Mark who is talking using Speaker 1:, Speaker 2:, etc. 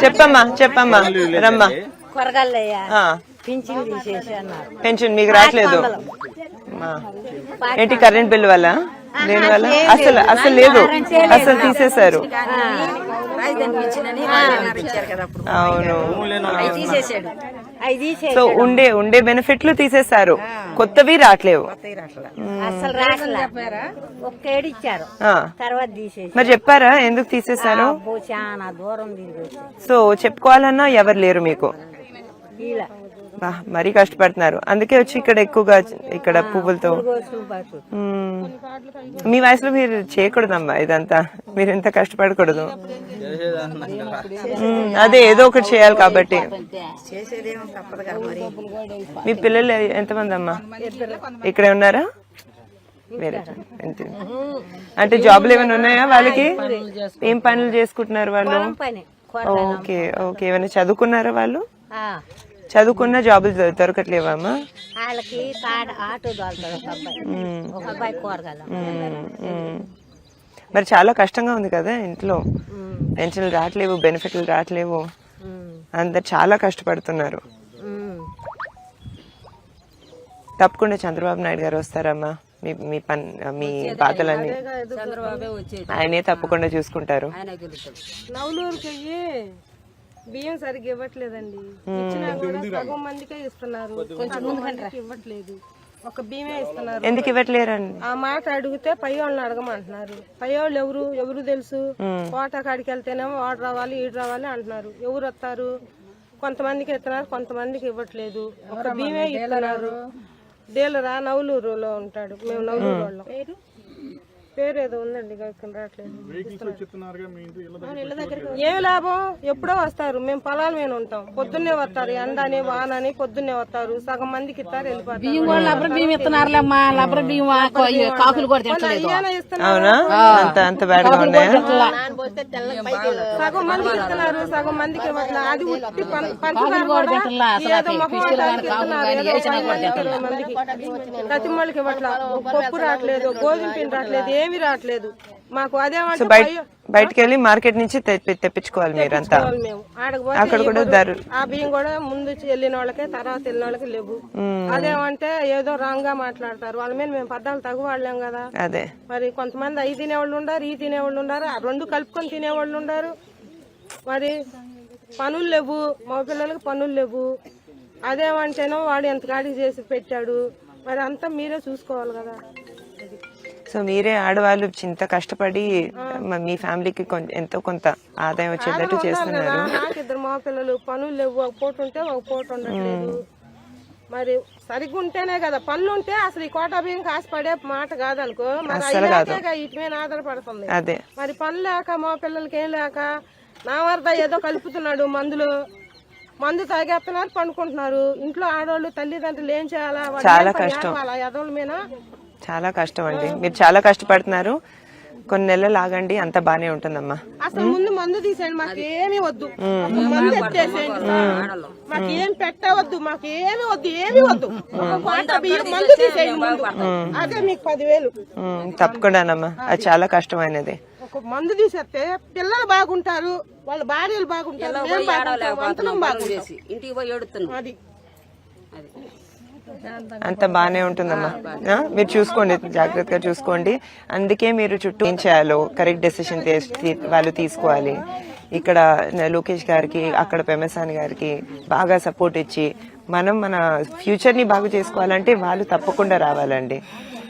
Speaker 1: చెప్పమ్మా రమ్మా. పెన్షన్ మీకు రావట్లేదు ఏంటి? కరెంట్ బిల్ వల్ల దేని వల్ల? అసలు లేదు, అసలు తీసేశారు. అవును, సో ఉండే బెనిఫిట్లు తీసేశారు, కొత్తవి రావట్లేవు. మరి చెప్పారా ఎందుకు తీసేశారు? సో చెప్పుకోవాలన్నా ఎవరు లేరు మీకు. మరీ కష్టపడుతున్నారు, అందుకే వచ్చి ఇక్కడ ఎక్కువగా ఇక్కడ పువ్వులతో. మీ వయసులో మీరు చేయకూడదమ్మా ఇదంతా, మీరు ఎంత కష్టపడకూడదు. అదే ఏదో ఒకటి చేయాలి కాబట్టి. మీ పిల్లలు ఎంతమంది అమ్మా? ఇక్కడే ఉన్నారా? వేరే అంటే జాబ్లు ఏమైనా ఉన్నాయా వాళ్ళకి? ఏం పనులు చేసుకుంటున్నారు వాళ్ళు? ఓకే ఓకే, ఏమైనా చదువుకున్నారా వాళ్ళు? చదువుకున్న జాబులు దొరకట్లేవమ్మా? మరి చాలా కష్టంగా ఉంది కదా ఇంట్లో, పెన్షన్లు రావట్లేవు, బెనిఫిట్లు రావట్లేవు, అందరు చాలా కష్టపడుతున్నారు. తప్పకుండా చంద్రబాబు నాయుడు గారు వస్తారమ్మా, మీ బాధలన్నీ ఆయనే తప్పకుండా చూసుకుంటారు.
Speaker 2: బియ్యం సరిగ్గా ఇవ్వట్లేదండి, ఇచ్చినా కూడా సగం మందికే ఇస్తున్నారు, ఇవ్వట్లేదు, ఒక బియ్యమే ఇస్తున్నారు.
Speaker 1: ఎందుకు ఇవ్వట్లేరండి?
Speaker 2: ఆ మాట అడిగితే పై వాళ్ళని అడగమంటున్నారు. పై వాళ్ళు ఎవరు తెలుసు? కోట కాడికి వెళ్తేనేమో వాడు రావాలి ఈడు రావాలి అంటున్నారు. ఎవరు వస్తారు? కొంతమందికి ఇస్తున్నారు, కొంతమందికి ఇవ్వట్లేదు, ఒక బియ్యమే ఇస్తున్నారు. డీలరా నవలూరులో ఉంటాడు, మేము నవలూరు వాళ్ళం. పేరు ఏదో ఉందండి, రావట్లేదు. ఏమి లాభం? ఎప్పుడో వస్తారు, మేము పొలాల మీద ఉంటాం, పొద్దున్నే వస్తారు, ఎండని వానని పొద్దున్నే వస్తారు, సగం మందికి ఇస్తారు, వెళ్ళిపోతారు. సగం మందికి ఇస్తున్నారు, సగం మందికి ఇవ్వట్లేదు. అది ఉట్టి ప్రతి వాళ్ళకి ఇవ్వట్లేదు. పప్పు రావట్లేదు, గోధుమ పిండి రావట్లేదు, ఏమి రావట్లేదు మాకు. అదేమంటే
Speaker 1: బయటకు వెళ్ళి మార్కెట్ నుంచి తెప్పించుకోవాలి మీరంతా. అక్కడ కూడా
Speaker 2: ఆ బియ్యం కూడా ముందు వెళ్ళిన వాళ్ళకే తర్వాత వెళ్ళిన వాళ్ళకి లేవు. అదేమంటే ఏదో రాంగ్ గా మాట్లాడతారు, వాళ్ళ మీద మేము పద్దాలు తగు వాళ్ళేం కదా.
Speaker 1: అదే
Speaker 2: మరి కొంతమంది అవి తినేవాళ్ళు ఉండారు, ఈ తినేవాళ్ళు ఉండారు, ఆ రెండు కలుపుకొని తినేవాళ్ళు ఉండారు. మరి పనులు లేవు, మా పిల్లలకి పనులు లేవు. అదేమంటేనో వాడు ఎంత గాడి చేసి పెట్టాడు, మరి అంతా మీరే చూసుకోవాలి కదా.
Speaker 1: సో మీరే ఆడవాళ్ళు చింత కష్టపడి మీ ఫ్యామిలీకి ఎంతో కొంత ఆదాయం వచ్చేటట్టు చేస్తున్నారు.
Speaker 2: నాకు ఇద్దరు మా పిల్లలు, పనులు లేవు, ఒక పూట ఉంటే ఒక పూట ఉండట్లేదు. మరి సరిగ్గా ఉంటేనే కదా పనులు ఉంటే అసలు ఈ కోటా బియ్యం కాసిపడే మాట కాదనుకో, మరి ఇటు మీద ఆధారపడుతుంది.
Speaker 1: అదే
Speaker 2: మరి పనులు లేక మా పిల్లలకి ఏం లేక నా వరద ఏదో కలుపుతున్నాడు మందు తాగేస్తున్నారు, పండుకుంటున్నారు. ఇంట్లో ఆడవాళ్ళు తల్లిదండ్రులు ఏం చేయాలా?
Speaker 1: చాలా కష్టం,
Speaker 2: ఎదవుల మీద
Speaker 1: చాలా కష్టం అండి. మీరు చాలా కష్టపడుతున్నారు, కొన్ని నెలలు ఆగండి, అంత బానే ఉంటుందమ్మా.
Speaker 2: అసలు ముందు మందు తీసేయండి, మాకు ఏమి వద్దు, మందు ఎత్తేసేయండి, మాకు ఏం పెట్టవద్దు, మాకు ఏమి వద్దు, మందు తీసేయండి ముందు. అదే మీకు 10,000
Speaker 1: తప్పకుండానమ్మా, అది చాలా కష్టమైనది.
Speaker 2: ఒక మందు తీసేస్తే పిల్లలు బాగుంటారు, వాళ్ళ భార్యలు బాగుంటారు, అది
Speaker 1: అంత బానే ఉంటుందమ్మా. మీరు చూసుకోండి, జాగ్రత్తగా చూసుకోండి. అందుకే మీరు చుట్టూ ఏం చేయాలో కరెక్ట్ డెసిషన్ వాళ్ళు తీసుకోవాలి. ఇక్కడ లోకేష్ గారికి, అక్కడ పెమసాని గారికి బాగా సపోర్ట్ ఇచ్చి మనం మన ఫ్యూచర్ ని బాగు చేసుకోవాలంటే వాళ్ళు తప్పకుండా రావాలండి.